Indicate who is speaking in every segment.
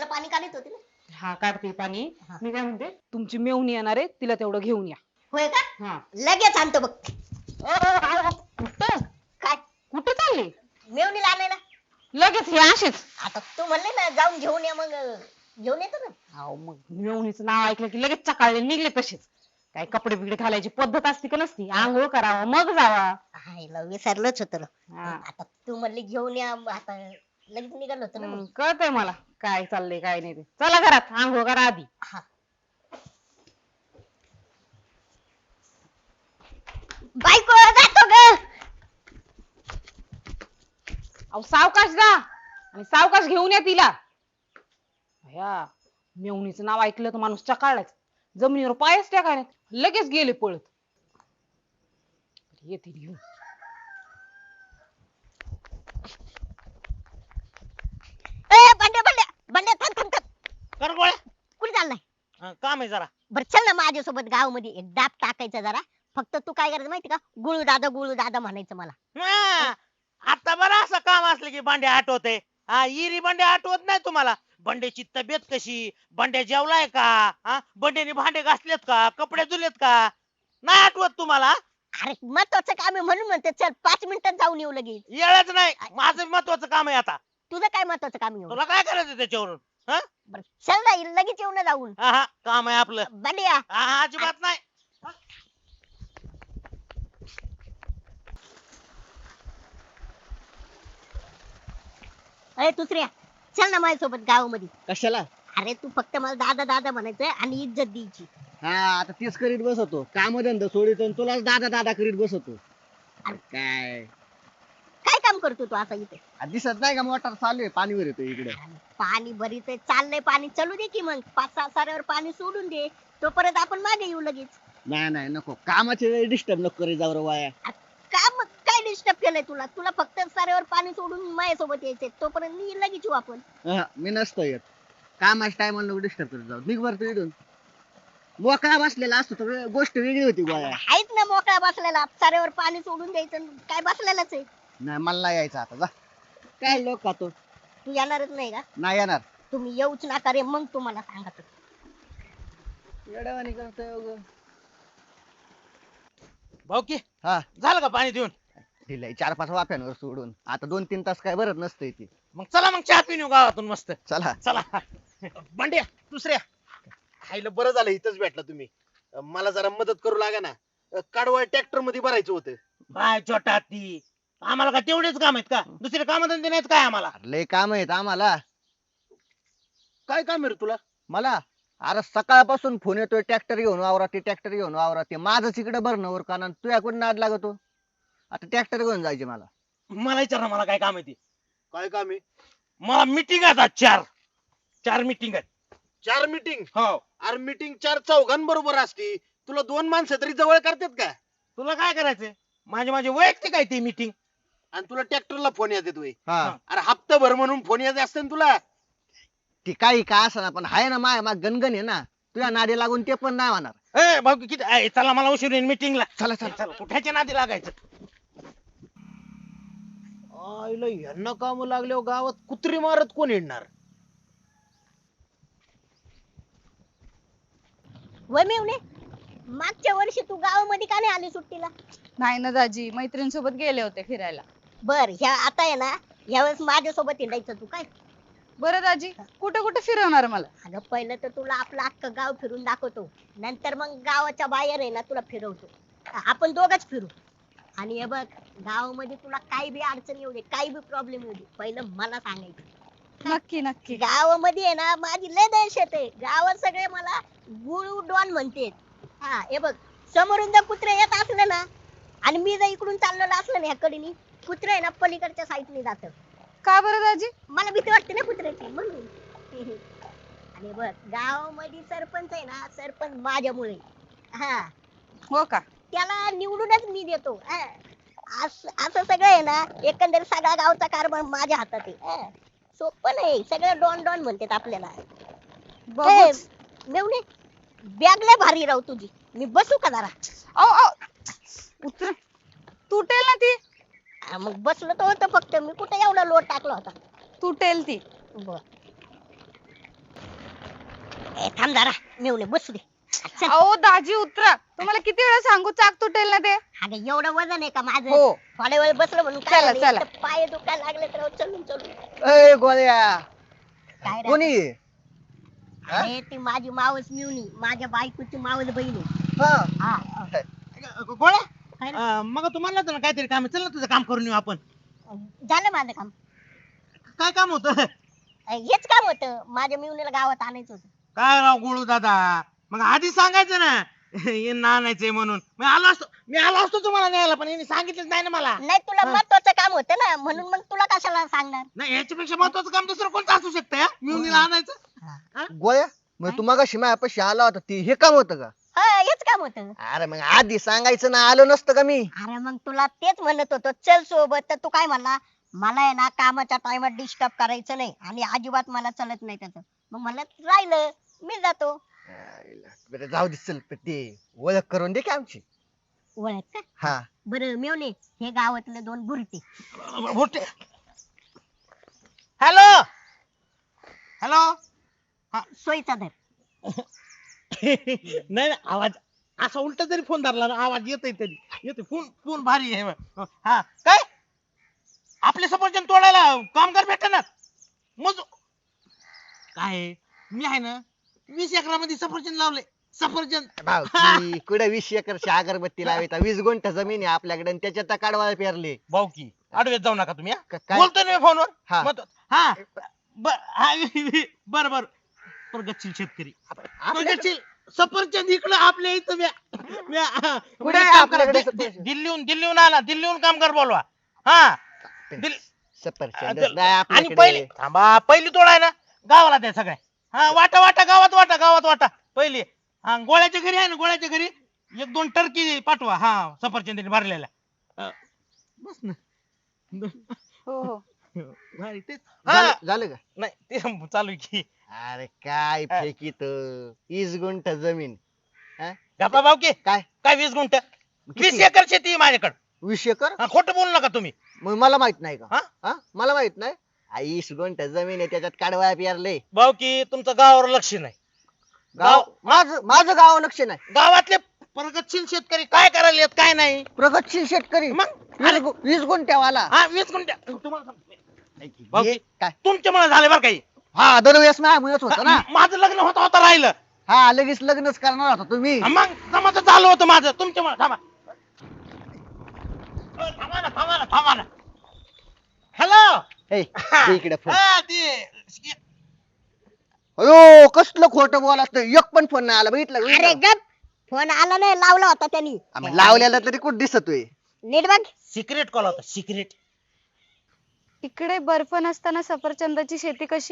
Speaker 1: पाणी काढत होती ना.
Speaker 2: हा काढते पाणी.
Speaker 1: हा.
Speaker 2: मी काय म्हणते तुमची मेवणी येणार आहे तिला तेवढं घेऊन या.
Speaker 1: होय का?
Speaker 2: हा.
Speaker 1: लगेच आणतो बघ.
Speaker 2: कुठं
Speaker 1: काय
Speaker 2: कुठं चालले
Speaker 1: मेवणीला आणायला?
Speaker 2: लगेच हे असेच.
Speaker 1: आता तू म्हणले ना जाऊन घेऊन या, मग घेऊन येतो ना.
Speaker 2: अहो मग मेवणीचं नाव ऐकलं की लगेच चकाळले निघले तसेच. काय कपडे बिगडे घालायची पद्धत असते का नसती? आंघोळ करावा मग जावा.
Speaker 1: हायला विसरलोच होतो ना.
Speaker 2: हा.
Speaker 1: आता तू म्हणली घेऊन या, आता लगेच निघालो होतो ना मग.
Speaker 2: कळतंय मला काय चाललंय काय नाही ते. चला घरात आंघोळ करा आधी.
Speaker 1: हा. बायको जातो ग.
Speaker 2: अहो सावकाश जा आणि सावकाश घेऊन या तिला. या मेवणीचं नाव ऐकलं तर माणूस चकाळलाच. जमिनीवर पायच टाकाय लगेच गेले पळत. येते घेऊन.
Speaker 1: बंड्या बंड्या बंड्या, थांब थांब थांब.
Speaker 3: कर गोळ्या.
Speaker 1: कुठे चाललाय?
Speaker 3: काम आहे जरा.
Speaker 1: बरं चल ना माझ्यासोबत गावामध्ये एक डाब टाकायचा जरा. फक्त तू काय करायचं माहिती का, गुळू दादा म्हणायचं मला.
Speaker 3: हा, आता बरं असं काम असलं की भांडे आठवते. हा, इरी भांडे आठवत नाही तुम्हाला? बंड्याची तब्येत कशी, बंड्या जेवलाय का, हा बंड्याने भांडे घासलेत का, कपडे धुलेत का, नाही आठवत तुम्हाला?
Speaker 1: अरे महत्वाचं काम आहे म्हणून म्हणते, चल 5 मिनिटात जाऊन येऊ लगेच.
Speaker 3: येळच नाही. माझं महत्वाचं काम आहे आता.
Speaker 1: तुझं काय महत्वाचं काम आहे?
Speaker 3: तुला काय करायचं त्याच्यावरून? हा
Speaker 1: बरं चल ना, लगेच येऊ ना जाऊन.
Speaker 3: हा, काम आहे आपलं.
Speaker 1: बंड्या
Speaker 3: हा, अजिबात नाही.
Speaker 1: अरे दुसऱ्या, चल ना माझ्यासोबत गावामध्ये.
Speaker 4: कशाला?
Speaker 1: अरे तू फक्त मला दादा दादा म्हणायचं आणि इज्जत द्यायची.
Speaker 4: हा, आता तेच करीत बसतो. काम धंदा सोडित आणि तुलाच दादा दादा करीत बसतो. काय
Speaker 1: काय काम करतो तू आता इथे?
Speaker 4: दिसत नाही का मोटर चालू आहे, पाणीवर येतो इकडे.
Speaker 1: पाणी भरीत चाललंय, पाणी चालू दे की मग 5-6 साऱ्यावर पाणी सोडून दे, तोपर्यंत आपण मागे येऊ लगेच.
Speaker 4: नाही नाही नको, कामाच्या वेळी डिस्टर्ब नको करी जाऊ रे वाया.
Speaker 1: काम काय डिस्टर्ब केलंय तुला? तुला फक्त साऱ्यावर पाणी सोडून माझ्यासोबत यायचंय, तोपर्यंत मी लगेच येऊ आपण.
Speaker 4: मी नसतो येत. कामाच्या टायमाला नको डिस्टर्ब करत जाऊ. निघ बरं तू इथून. मोकळा बसलेला असतो तर गोष्ट वेगळी होती गोळ्या.
Speaker 1: आहेत ना मोकळा बसलेला, साऱ्यावर पाणी सोडून द्यायचं, काय बसलेलाच आहे.
Speaker 4: नाही मला नाही यायचं आता, जा. काय लोक खातो.
Speaker 1: तू येणारच नाही का?
Speaker 4: नाही येणार.
Speaker 1: तुम्ही येऊच नका रे, मग तुम्हाला सांगतो.
Speaker 4: येड्यावानी करतोय उगं.
Speaker 3: भाऊ की
Speaker 4: हा,
Speaker 3: झालं का पाणी देऊन?
Speaker 4: दिलंय 4-5 वाफ्यांवर सोडून. आता 2-3 तास काय भरत नसतंय ती.
Speaker 3: मग चला मग चहा पिऊन येऊ गावातून मस्त.
Speaker 4: चला.
Speaker 3: चला.
Speaker 5: भांड्या दुसऱ्या खायला बरं झालं इथंच भेटला तुम्ही. मला जरा मदत करू लागा ना. काढवाळ ट्रॅक्टर मध्ये भरायचं होतं.
Speaker 3: काय छोटा ती, आम्हाला का तेवढेच काम आहेत का? दुसरे काम धंदे नाहीत काय आम्हाला?
Speaker 4: लय काम आहेत आम्हाला.
Speaker 5: काय काम आहे रे तुला?
Speaker 4: मला अरे सकाळपासून फोन येतोय, ट्रॅक्टर घेऊन वावरा ते, ट्रॅक्टर घेऊन वावरा ते. माझंच इकडे भरणं का, तू याकडून नाद लागतो. आता ट्रॅक्टर घेऊन जायचे मला.
Speaker 3: मला विचार ना, मला काय काम आहे ते.
Speaker 5: काय काम आहे?
Speaker 3: मला मिटिंग आता 4 मिटिंग आहेत.
Speaker 5: 4 मीटिंग?
Speaker 3: हो.
Speaker 5: अरे मीटिंग 4 चौघांबरोबर असती. तुला 2 माणसं तरी जवळ करतात का?
Speaker 3: तुला काय करायचंय? माझे वैयक्तिक आहे ते मिटिंग.
Speaker 5: आणि तुला ट्रॅक्टरला फोन येते तुझे.
Speaker 4: हा,
Speaker 5: अरे हप्ताभर म्हणून फोन येत असते ना तुला.
Speaker 4: ती काही का असं पण आहे ना, माय मग गणगण आहे ना. तुझ्या नादी लागून ते पण नाही होणार.
Speaker 3: ए भाऊ किती चला, मला उशीर होईल मिटिंगला.
Speaker 4: चला चला.
Speaker 3: चला, कुठ्याच्या नादी लागायचं?
Speaker 5: आईला यांना काम लागल्यावर गावात कुत्री मारत कोण येणार?
Speaker 1: वय मेवणे, मागच्या वर्षी तू गावामध्ये का नाही आली सुट्टीला?
Speaker 6: नाही ना दाजी, मैत्रिणीसोबत गेले होते फिरायला.
Speaker 1: बर ह्या आता आहे ना, यावेळेस माझ्यासोबत हिंडायचं तू काय.
Speaker 6: बरं दाजी, कुठे कुठे फिरवणार मला?
Speaker 1: अगं पहिलं तर तुला आपलं अख्खं गाव फिरून दाखवतो, नंतर मग गावाच्या बाहेर आहे ना तुला फिरवतो. आपण दोघच फिरू. आणि हे बघ, गावामध्ये तुला काही बी अडचण येऊ दे, काही बी प्रॉब्लेम येऊ दे, पहिलं मला सांगायचं.
Speaker 6: नक्की नक्की.
Speaker 1: गावामध्ये आहे ना माझी लय दहशत आहे. गावात सगळे मला गुळू डॉन म्हणते. हा हे बघ, समोरून जर कुत्रे येत असले ना, आणि मी जर इकडून चाललेलं असलं ना ह्या कडेनी, कुत्रे आहे ना पलीकडच्या साईडने जात.
Speaker 6: का बरं दाजी?
Speaker 1: मला भीती वाटते ना कुत्र्याची म्हणून. आणि बघ, गावामध्ये सरपंच आहे ना, सरपंच माझ्यामुळे. हा,
Speaker 6: हो का?
Speaker 1: त्याला निवडूनच मी देतो. असं सगळं आहे ना, एकंदर सगळा गावचा कारभार माझ्या हातात आहे. सोपं नाही, सगळं डॉन डॉन म्हणतात आपल्याला.
Speaker 6: बघूच.
Speaker 1: मेवणे, बॅग लय भारी राहू तुझी. मी बसू का जरा?
Speaker 6: उतर, तुटेल ना ती.
Speaker 1: मग बसलो तर होतं, फक्त मी कुठे एवढा लोड टाकला होता.
Speaker 6: तुटेल ती.
Speaker 1: बर, थांब जरा मेवणे बसू दे. चल.
Speaker 6: अहो दाजी उतरा, तुम्हाला किती वेळा सांगू चाक तुटेल ना ते.
Speaker 1: अगं एवढं वजन आहे का माझं?
Speaker 6: हो.
Speaker 1: थोड्या वेळ बसलं म्हणून काय
Speaker 6: चला,
Speaker 1: झालं?
Speaker 6: चला.
Speaker 1: इथं पाय दुखायला लागले तर चलून चलून
Speaker 4: ए गोळ्या
Speaker 1: काय रे?
Speaker 4: कोणी आहे?
Speaker 1: अरे ती माझी मावस मिवणी, माझ्या बायकोची मावस बहीण आहे.
Speaker 4: हा
Speaker 1: हा,
Speaker 3: गोळ्या
Speaker 1: काय रे?
Speaker 3: मग तुम्हाला ना काहीतरी काम आहे. चल ना तुझं काम करून येऊ आपण.
Speaker 1: झालं माझं काम.
Speaker 3: काय काम होतं?
Speaker 1: हेच काम होतं, माझ्या मिवणीला गावात आणायचं होतं.
Speaker 3: काय राव गोळू दादा, मग आधी सांगायचं ना यांना आणायचंय म्हणून. मी आलो असतो तुम्हाला न्यायला, पण यांनी सांगितलंच नाही ना मला.
Speaker 1: नाही तुला महत्वाचं काम होतं ना, म्हणून मग तुला कशाला सांगणार?
Speaker 3: नाही याच्यापेक्षा महत्वाचं काम दुसरं कोणतं असू शकतं मिळून आणायचं.
Speaker 4: गोळ्या मग तू मगाशी माझ्यापाशी आला होता ती हे काम होतं का?
Speaker 1: हा हेच काम होतं.
Speaker 4: अरे मग आधी सांगायचं ना, आलो नसतं का मी?
Speaker 1: अरे मग तुला तेच म्हणत होतो चल सोबत, तर तू काय म्हणला मला आहे ना कामाच्या टायमात डिस्टर्ब करायचं नाही आणि अजिबात मला चलत नाही त्याचं. मग मला राहिलं मी जातो.
Speaker 4: बरं जाऊ दे चल, पण ते ओळख करून दे की आमची.
Speaker 1: ओळख का?
Speaker 4: हा
Speaker 1: बरं मेवणे हे गावातले दोन बुरटे.
Speaker 3: Hello hello.
Speaker 1: सोयीचा धर.
Speaker 3: नाही नाही, आवाज असा उलटा जरी फोन धरला ना आवाज येतोय तरी येतोय. फोन फोन भारी आहे. हा काय आपले सफरचंद तोडायला कामगार भेटणार मग काय? मी आहे ना 20 एकरामध्ये सफरचंद लावले. सफरचंद
Speaker 4: भाऊकी कुठे 20 एकरची अगरबत्ती लावायचा? 20 गुंठ जमीन आहे आपल्याकडे आणि त्याच्यात काढवायला पेरले.
Speaker 3: भाऊ की आडवेत जाऊ नका तुम्ही.
Speaker 4: काय?
Speaker 3: बोलतोय ना फोनवर.
Speaker 4: हा.
Speaker 3: हा बर बर प्रगतशील शेतकरी प्रगतशील सफरचंद इकडं आपल्या इथं
Speaker 4: कुठे आहे आपल्याकडे सफरचंद?
Speaker 3: दिल्लीहून आला. दिल्लीहून कामगार बोलवा. हा
Speaker 4: सफरचंद
Speaker 3: आणि
Speaker 4: नाही
Speaker 3: पहिले
Speaker 4: आपल्याकडे.
Speaker 3: थांबा, पहिली तोडाय ना गावाला द्या सगळ्या. हा वाटा वाटा गावात वाटा पहिली. हा गोळ्याच्या घरी आहे ना, गोळ्याच्या घरी 1-2 टर्की पाठवा. हा सफरचंदीने भरलेल्या. बस ना.
Speaker 6: हो हो.
Speaker 3: भारी तेच. हा
Speaker 4: झालं का?
Speaker 3: नाही ते चालू आहे की.
Speaker 4: अरे काय फेकीत 20 गुंठ जमीन.
Speaker 3: गप्पा भाऊ की
Speaker 4: काय
Speaker 3: काय 20 गुंठ
Speaker 4: किती?
Speaker 3: 20 एकर शेती माझ्याकडे.
Speaker 4: 20 एकर?
Speaker 3: खोटं बोलू नका तुम्ही.
Speaker 4: मग मला माहित नाही का?
Speaker 3: हा?
Speaker 4: हा मला माहित नाही. 20 गुंठ जमीन आहे त्याच्यात काढवाया पेरले.
Speaker 3: भाऊ की तुमचं गावावर लक्ष नाही.
Speaker 4: गाव माझं गाव लक्ष नाही.
Speaker 3: गावातले प्रगतशील शेतकरी काय करायला येत काय नाही.
Speaker 4: प्रगतशील शेतकरी
Speaker 3: मग
Speaker 4: 20 गुंठ्यावाला.
Speaker 3: हा 20 गुंठ तुम्हाला सांगतो. भाऊ
Speaker 4: हे
Speaker 3: की,
Speaker 4: काय?
Speaker 3: तुमच्यामुळे झाले बरं काही.
Speaker 4: हा दरवेळेस माझ्यामुळेच होतं ना.
Speaker 3: माझं लग्न होता राहिलं.
Speaker 4: हा लगेच लग्नच करणार होता तुम्ही.
Speaker 3: मग जमाचं झालं होतं माझं तुमच्यामुळे. थांबा ना. हॅलो.
Speaker 4: ए, दे इकडे फोन.
Speaker 3: ते
Speaker 4: अयो कसलं खोटं बोलात, एक पण फोन नाही आला. बघितलं
Speaker 1: अरे
Speaker 4: बघितलं?
Speaker 1: गप, फोन आला नाही, लावला होता त्यांनी.
Speaker 4: आम्ही लावलेला तरी कुठं दिसतोय?
Speaker 1: नीट बघ.
Speaker 3: सिक्रेट कॉल होता सिक्रेट.
Speaker 6: इकडे बर्फ नसताना सफरचंदाची शेती कशी?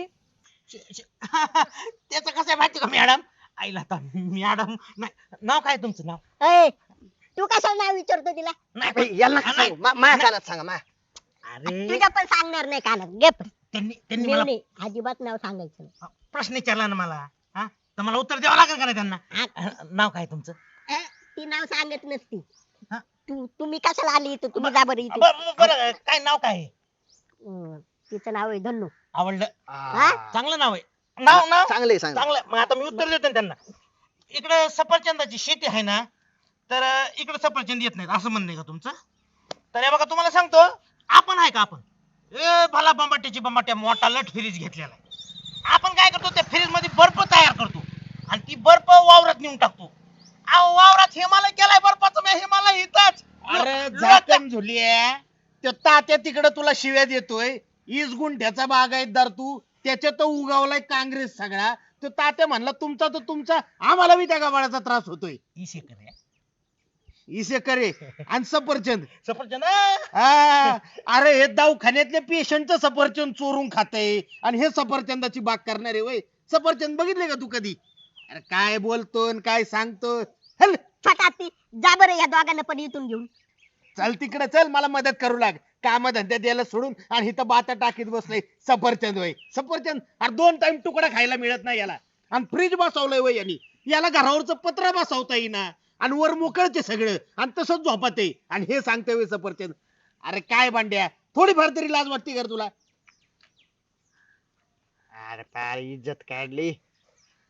Speaker 3: त्याचं कसं आहे माहिती का मॅडम? आईला आता मॅडम नाही. नाव काय तुमचं नाव?
Speaker 1: ए, तू कशाला नाव विचारतो तिला?
Speaker 3: नाही
Speaker 4: याला नका सांगू. माझ्या कानात सांगा.
Speaker 3: अरे
Speaker 1: तुझ्या पण सांगणार नाही कानात. गप.
Speaker 3: त्यांनी मला
Speaker 1: मेवणे अजिबात नाव सांगायचं नाही.
Speaker 3: प्रश्न विचारला ना मला. हा तर मला उत्तर द्यावं लागेल का नाही त्यांना? नाव काय तुमचं?
Speaker 1: ती नाव सांगत नसती.
Speaker 3: हा?
Speaker 1: तुम्ही कशाला आली इथं? तुम्ही जा बरं इथे.
Speaker 3: बरं काय नाव काय आहे?
Speaker 1: तिचं नाव आहे धन्नू.
Speaker 3: आवडलं.
Speaker 1: हा?
Speaker 3: चांगलं नाव आहे. नाव
Speaker 4: चांगले सांग.
Speaker 3: चांगलं. मग आता मी उत्तर देतो ना त्यांना. इकडे सफरचंदाची शेती आहे ना, तर इकडे सफरचंद येत नाहीत असं म्हणणं आहे का तुमचं? तर हे बघा तुम्हाला सांगतो, आपण आहे का आपण भला बंबाट्या मोठा लट फ्रीज घेतलेला आहे. आपण काय करतो त्या फ्रीज मध्ये बर्फ तयार करतो आणि ती बर्फ वावरात नेऊन टाकतो. अहो वावरात हिमालय केलाय बर्फाचं. मी हिमालय इथंच.
Speaker 5: अरे झाकण झुलिया, त्यो तात्या तिकडे तुला शिव्या देतोय. 20 गुंठ्याचा बागायतदार तू, त्याच्यात उगावलाय काँग्रेस सगळा. तो तात्या म्हणला तुमचा तर तुमचा, आम्हाला बी त्या गावाचा त्रास होतोय.
Speaker 3: 20 एकर आहे.
Speaker 5: 20 एकर आहे आणि सफरचंद.
Speaker 3: सफरचंद
Speaker 5: हा, अरे हे दवाखान्यातल्या पेशंटचं सफरचंद चोरून खातय आणि हे सफरचंदाची बाग करणारे वय. सफरचंद बघितले का तू कधी? अरे काय बोलतो न काय सांगतो. हल
Speaker 1: फटाती जा बरं या दोघांना पण इथून घेऊन.
Speaker 5: चल तिकडे चल, मला मदत करू लाग. काम धंद्यात द्यायला सोडून आणि इथं बाता टाकीत बसलाय. सफरचंद वय सफरचंद. अरे 2 टाइम तुकडा खायला मिळत नाही याला. आणि फ्रीज बसवलंय वय यांनी. याला घरावरचं पत्र बसवता येईना आणि वर मोकळते सगळं आणि तसंच झोपत आहे आणि हे सांगतोय वय सफरचंद. अरे काय भांड्या, थोडीफार तरी लाज वाटते का रे तुला? अरे पार इज्जत काढली.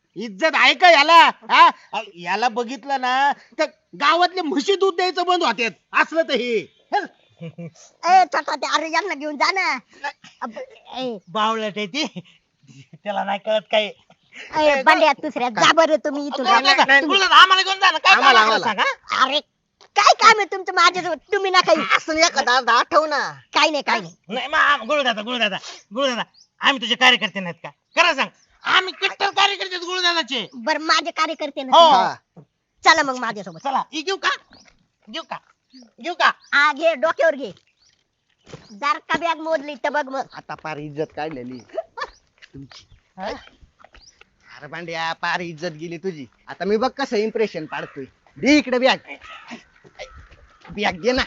Speaker 5: इज्जत आहे का याला हा? याला बघितलं ना तर गावातले म्हशी दूध द्यायचं बंद होते असलं तर हे हल.
Speaker 1: ए छोटा ते अरे यांना घेऊन जा ना. ए
Speaker 3: बावळट आहे ती त्याला नाही कळत काय
Speaker 1: बंड्या दुसऱ्या जा बरं तुम्ही इथून.
Speaker 3: गुरुदादा आम्हाला घेऊन जा ना काय काम
Speaker 4: आम्हाला,
Speaker 3: आहे सांगा
Speaker 1: अरे काय काम आहे तुमचं माझ्यासोबत तुम्ही ना काही
Speaker 4: असं एखादा आठव ना.
Speaker 1: काय नाही काय नाही.
Speaker 3: नाही मग गुरुदादा आम्ही तुझे कार्यकर्ते नाहीत का खरं सांग आम्ही कट्टर कार्यकर्ते आहेत गुरुदादाचे
Speaker 1: बरं माझे कार्यकर्ते ना
Speaker 3: हो.
Speaker 1: तुम्ही. चला मग माझ्यासोबत.
Speaker 3: चला ही घेऊ का
Speaker 1: हा घे डोक्यावर घे. जर का बॅग मोजली तर बघ मग.
Speaker 4: आता पार इज्जत काढलेली तुमची. अरे भांड्या पार इज्जत गेली तुझी. आता मी बघ कसं इम्प्रेशन पाडतोय. दे इकडे बॅग. बॅग दे ना.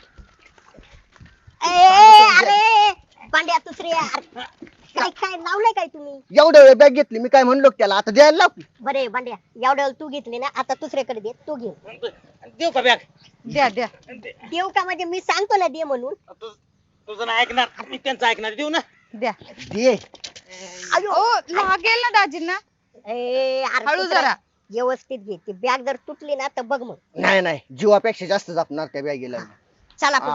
Speaker 1: अरे पांड्या दुसरे काय काय लावलंय काय तुम्ही.
Speaker 4: एवढ्या वेळ बॅग घेतली मी काय म्हणलो का त्याला आता द्यायला लाव की.
Speaker 1: बरे पांड्या एवढ्या वेळ तू घेतली ना आता दुसऱ्याकडे दे तू घे.
Speaker 3: देऊ का बॅग
Speaker 6: द्या द्या.
Speaker 1: देऊ का म्हणजे मी सांगतो ना दे म्हणून.
Speaker 3: तुझं नाही ऐकणार मी त्यांचं ऐकणार देऊ ना
Speaker 6: द्या.
Speaker 4: दे.
Speaker 1: अयो
Speaker 6: ओ लागेल ना दाजींना.
Speaker 1: अरे
Speaker 6: हळू
Speaker 1: दुसऱ्या,
Speaker 6: जरा.
Speaker 1: व्यवस्थित घे ती बॅग जर तुटली ना तर बघ मग.
Speaker 4: नाही नाही जीवापेक्षा जास्त जपणार त्या बॅगेला.
Speaker 1: चला पुढे.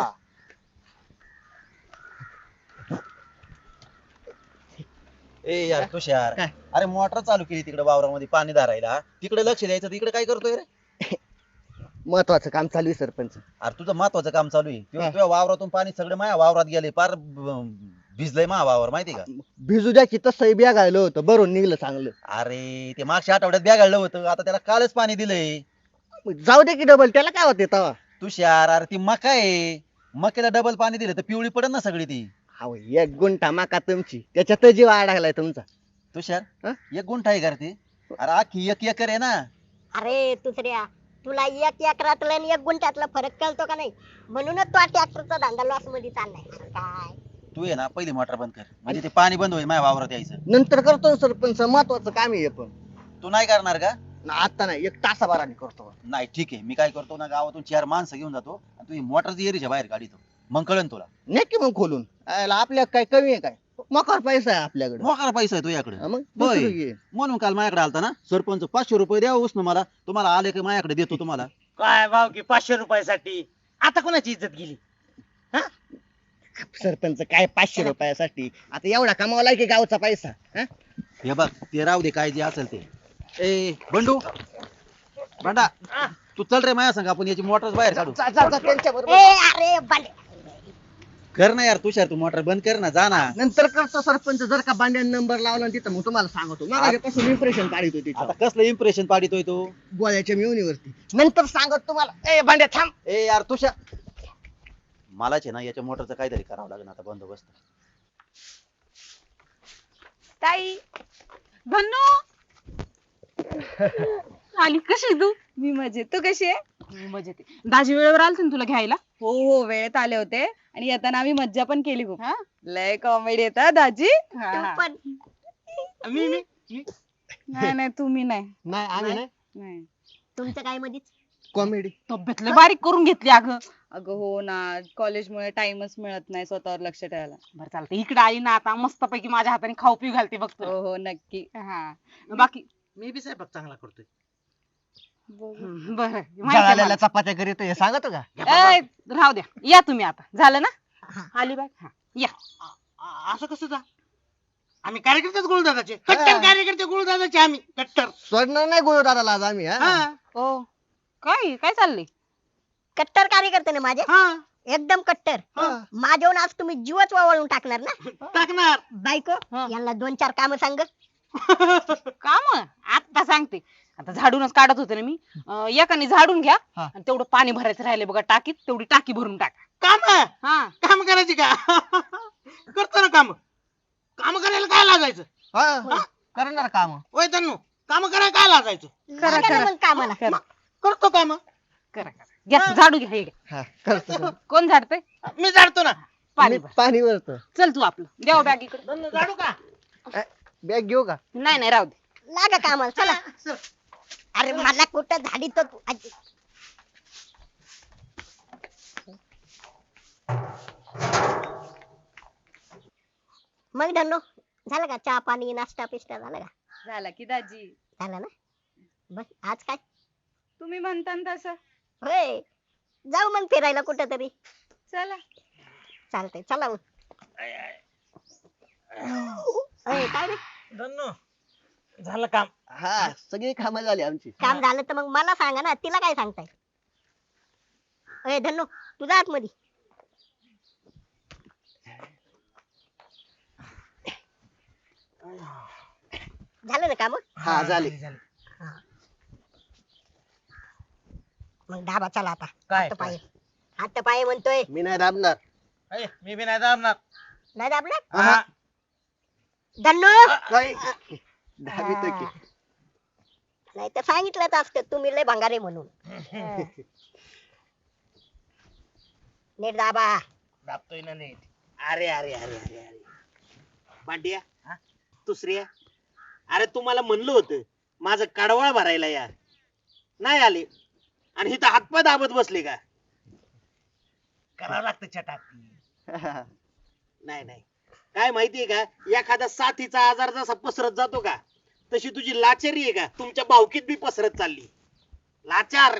Speaker 7: ए यार तुषार
Speaker 4: काय?
Speaker 7: अरे मोटर चालू केली तिकडे वावरामध्ये पाणी धारायला तिकडे लक्ष द्यायचं तिकडे काय करतोय रे
Speaker 4: महत्वाचं काम चालू आहे सरपंच.
Speaker 7: अरे तुझं महत्वाचं काम चालू आहे
Speaker 4: हा.
Speaker 7: तुझ्या वावरातून पाणी सगळे माझ्या वावरात गेले पार भिजलंय माझा वावर माहिती का
Speaker 4: भिजू द्या की तसंही बॅग आलं होतं बरोबर निघलं चांगलं.
Speaker 7: अरे ते मागच्या आठवड्यात बॅगाळलं होतं आता त्याला कालच पाणी दिलंय
Speaker 4: मग जाऊ दे की डबल त्याला काय होते तवा.
Speaker 7: तुषार अरे ती मका आहे मकेला डबल पाणी दिलं तर पिवळी पडेल ना सगळी ती
Speaker 4: अहो एक गुंठा माका तुमची त्याच्यात जीव अडकलाय तुमचा.
Speaker 7: तुषार
Speaker 4: हा?
Speaker 7: एक गुंठा आहे का रे ते अरे आखी एक एकर आहे ना
Speaker 1: अरे दुसऱ्या तुला एक एकरातलं आणि एक गुंठ्यातला फरक कळतो का नाही. म्हणूनच तो ट्रॅक्टरचा धंदा लॉस मध्ये चाललाय. अरे काय
Speaker 7: तू आहे ना पहिली मोटर बंद कर म्हणजे ते पाणी बंद होईल माझ्या वावरात यायचं
Speaker 4: नंतर करतो ना सरपंच महत्वाचं काम आहे हे पण.
Speaker 7: तू नाही करणार का
Speaker 4: आता नाही एक तासाभराने करतो.
Speaker 7: नाही ठीक आहे मी काय करतो ना गावातून 4 माणसं घेऊन जातो आणि तुम्ही मोटरची एरीच्या बाहेर काढितो मग कळन तुला
Speaker 4: नक्की मग खोलून आपल्या काय कमी आहे काय मकार पैसा आहे आपल्याकडे.
Speaker 7: मोकार पैसा आहे तुझ्याकडे
Speaker 4: हा मग
Speaker 7: होय.
Speaker 4: दुसरं घे.
Speaker 7: म्हणून काल माझ्याकडे आलता ना सरपंच 500 रुपये द्या उसनं मला तुम्हाला आले की माझ्याकडे देतो तुम्हाला
Speaker 3: काय भाव की 500 रुपयासाठी आता कोणाची इज्जत गेली
Speaker 4: सरपंच काय 500 रुपयासाठी आता एवढा कमावलाय की गावचा पैसा. हा?
Speaker 7: हे बघ ते राहू दे काय जे असेल ते ए बंडू बंडा तू चल रे माझ्या संग आपण याची मोटर बाहेर काढू
Speaker 4: जा, जा, जा, त्यांच्याबरोबर.
Speaker 1: अरे बांड्या
Speaker 7: कर ना यार तुषार तू मोटर बंद कर ना जा ना
Speaker 4: नंतर करतो सरपंच जर का बांड्यान नंबर लावला ना तिथं मग तुम्हाला सांगतो माझ्यापासून इम्प्रेशन काढतो
Speaker 7: आता
Speaker 4: तिथं
Speaker 7: कसलं इम्प्रेशन पाडितोय तू
Speaker 4: गोळ्याच्या मिळवणीवरती. नंतर सांगत तुम्हाला ए बांड्या थांब.
Speaker 7: ए यार तुषार मलाच आहे ना याच्या मोटरचं काहीतरी करावं लागेल आता बंदोबस्त
Speaker 6: ताई
Speaker 2: धन्नो आली कशी तू.
Speaker 6: मी मजेत. तू कशी आहे.
Speaker 2: मी मजेत आहे. दाजी वेळेवर आलते ना तुला घ्यायला.
Speaker 6: हो हो वेळेत आले होते आणि येताना आम्ही मज्जा पण केली खूप.
Speaker 2: हा?
Speaker 6: लय कॉमेडी येतात दाजी.
Speaker 1: तू पण
Speaker 6: नाही नाही तुम्ही नाही.
Speaker 4: नाही आम्ही नाही
Speaker 6: नाही
Speaker 1: तुमचं काय मधीच.
Speaker 4: कॉमेडी.
Speaker 2: तब्येत लय बारीक करून घेतली अगं.
Speaker 6: अगं हो ना कॉलेजमुळे टाइमच मिळत नाही स्वतःवर लक्ष ठेवायला.
Speaker 2: बरं चालतं इकडे आली ना आता मस्तपैकी माझ्या हाताने खाऊ पिऊ घालते बघ तुला.
Speaker 6: हो हो नक्की.
Speaker 2: हा बाकी
Speaker 3: मी बी स्वयंपाक चांगला करतोय
Speaker 2: बरं माहिती आहे
Speaker 4: जळालेल्या
Speaker 2: मला.
Speaker 4: चपात्या करीत हे सांगतो का.
Speaker 2: ए, राहू द्या या तुम्ही आता झालं ना आली बाय हा या
Speaker 3: असं कसं जा आम्ही कार्यकर्तेच गुरुदादाचे कट्टर कार्यकर्ते गुरुदादाचे आम्ही कट्टर
Speaker 4: सोडणार नाही गुरु दादाला आज आम्ही. हा?
Speaker 3: हा
Speaker 2: ओ काय काय चाललंय.
Speaker 1: कट्टर कार्यकर्ते ना माझे
Speaker 3: हा
Speaker 1: एकदम कट्टर.
Speaker 3: हा.
Speaker 1: माझ्याहून आज तुम्ही जीवच वावळून टाकणार ना.
Speaker 3: टाकणार
Speaker 1: बायको
Speaker 2: हा.
Speaker 1: यांना 2-4 काम सांग.
Speaker 2: काम आता सांगते. आता झाडूनच काढत होते ना मी. एकाने झाडून घ्या
Speaker 4: हा.
Speaker 2: आणि तेवढं पाणी भरायचं राहिले बघा टाकीत तेवढी टाकी भरून टाका.
Speaker 3: काम
Speaker 2: हा
Speaker 3: काम करायची का करतो ना काम काम करायला काय लागायचं
Speaker 4: हा? करणार काम.
Speaker 3: होय तन्नू काम करायला काय लागायचं
Speaker 6: करा,
Speaker 1: लागा ना
Speaker 6: करा.
Speaker 1: मग कामाला.
Speaker 6: करा.
Speaker 3: करतो काम
Speaker 2: करा करा घ्या झाडू घ्या हे घ्या.
Speaker 4: हा करतो.
Speaker 2: कोण झाडतंय
Speaker 3: मी जाडतो ना
Speaker 2: पाणी
Speaker 4: मी
Speaker 2: भर.
Speaker 4: पाणी भरतो.
Speaker 2: चल तू आपलं द्याव बॅग इकडे.
Speaker 3: तन्नू जाडू का
Speaker 4: बॅग घेऊ का.
Speaker 2: नाही नाही राहू दे.
Speaker 1: लागा कामाला चला.
Speaker 3: चल.
Speaker 1: अरे मला कुठं झाडी तो तू आजी. मग धन्नो झालं का चहा पाणी नाश्ता पिस्ता झालं का.
Speaker 6: झाला की दाजी.
Speaker 1: झालं ना बस आज काय
Speaker 6: तुम्ही म्हणता ना तसं.
Speaker 1: होय जाऊ मग फिरायला कुठं तरी.
Speaker 6: चला.
Speaker 1: चालतंय चला मग. अय, काय रे
Speaker 3: धन्नो झालं काम.
Speaker 4: हा सगळी कामं झाली आमची.
Speaker 1: काम झालं तर मग मला सांगा ना, तिला काय सांगताय? अय धन्नो तुझा आतमध्ये. झालं ना काम?
Speaker 4: हा झाली.
Speaker 1: मग डाबा चला आता.
Speaker 3: काय
Speaker 1: पाय हात पाय म्हणतोय.
Speaker 4: मी नाही दाबणार.
Speaker 3: मी बी नाही दाबणार.
Speaker 1: नाही दाबलं
Speaker 3: हा.
Speaker 1: धन्नो.
Speaker 4: काय दाबितो की.
Speaker 1: नाही तर सांगितलंच असतं तुम्ही लय भंगारे म्हणून. नीट दाबा.
Speaker 3: दाबतोय ना नीट. अरे अरे अरे अरे अरे
Speaker 5: भांड्या दुसऱ्या, अरे तुम्हाला म्हणलं होतं माझं कडवाळ भरायला यार, नाही आले आणि इथं हातपाय दाबत बसले का?
Speaker 3: करावं लागतं चटाकी.
Speaker 5: नाही नाही, काय माहितीये का, एखादा साथीचा आजार जसा पसरत जातो का, तशी तुझी लाचारी आहे का तुमच्या भावकीत बी पसरत चालली. लाचार.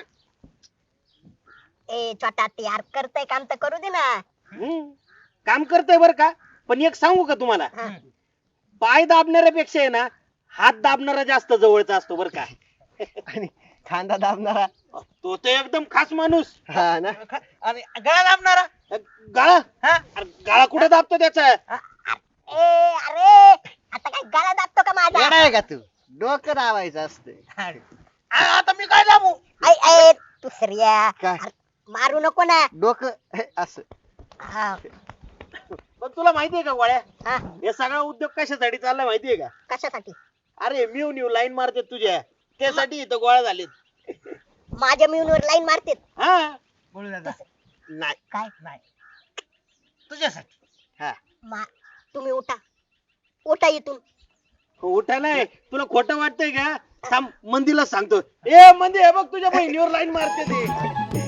Speaker 1: ए छोटा यार करतय काम तर करू दे ना.
Speaker 5: काम करतोय बर का, पण एक सांगू का तुम्हाला,
Speaker 1: हा.
Speaker 5: पाय दाबणाऱ्यापेक्षा आहे ना हात दाबणारा जास्त जवळचा असतो बर का.
Speaker 4: आणि खांदा दाबणारा.
Speaker 5: तो तर एकदम खास माणूस.
Speaker 4: हा ना.
Speaker 3: आणि गळा दाबणारा.
Speaker 5: गाळा,
Speaker 3: हा?
Speaker 5: अरे गाळा कुठे दाबतो त्याचा?
Speaker 1: ए अरे आता काय गळा दाबतो का माझा?
Speaker 4: येडा आहे का तू? डोकं दाबायचं असतं.
Speaker 3: आता मी काय दाबू?
Speaker 1: ऐ ऐ दुसऱ्या
Speaker 4: काय?
Speaker 1: मारू नको ना.
Speaker 4: डोकं हे, असं.
Speaker 1: हा,
Speaker 5: पण तुला माहितीये का गोळ्या,
Speaker 1: हा.
Speaker 5: हे सगळा उद्योग कशासाठी चाललाय माहितीये का?
Speaker 1: कशासाठी?
Speaker 5: अरे म्यू लाईन मारते तुझ्या, त्यासाठी इथं गोळा झालेत.
Speaker 1: माझ्या मिळूनवर लाईन मारते.
Speaker 5: हा
Speaker 3: बोलू दादा.
Speaker 5: नाही.
Speaker 1: काय
Speaker 3: नाही. तुझ्यासाठी.
Speaker 5: हा
Speaker 1: तुम्ही उठा उठा इथून.
Speaker 5: उठा नाही, तुला खोटं वाटतंय का? थांब मंदीला सांगतो. ए मंदी, हे बघ तुझ्या बहिणीवर लाईन मारते ते.